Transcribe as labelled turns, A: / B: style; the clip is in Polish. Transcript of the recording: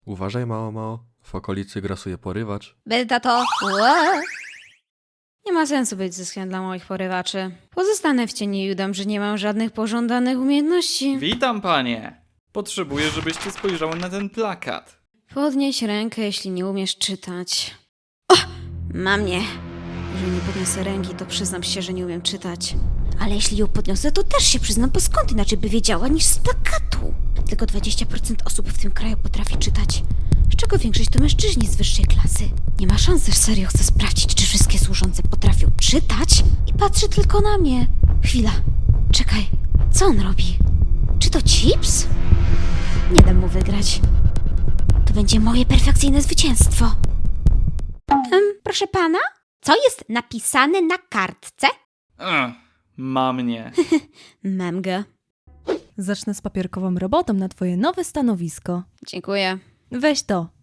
A: Uważaj, mało. W okolicy grasuje porywacz.
B: Tato. Ła. Nie ma sensu być zyskiem dla moich porywaczy. Pozostanę w cieniu i udam, że nie mam żadnych pożądanych umiejętności.
C: Witam, panie. Potrzebuję, żebyście spojrzały na ten plakat.
B: Podnieś rękę, jeśli nie umiesz czytać. O! Mam mnie. Jeżeli nie podniosę ręki, to przyznam się, że nie umiem czytać. Ale jeśli ją podniosę, to też się przyznam, bo skąd inaczej by wiedziała niż z plakatu? Tylko 20% osób w tym kraju potrafi czytać. Z czego większość to mężczyźni z wyższej klasy. Nie ma szans, że serio chcę sprawdzić, czy wszystkie służące potrafią czytać? I patrzy tylko na mnie. Chwila. Czekaj. Co on robi? Czy to Chips? Nie dam mu wygrać. To będzie moje perfekcyjne zwycięstwo. Proszę pana? Co jest napisane na kartce?
C: Ma mnie.
B: Mam go.
D: Zacznę z papierkową robotą na twoje nowe stanowisko.
B: Dziękuję.
D: Weź to.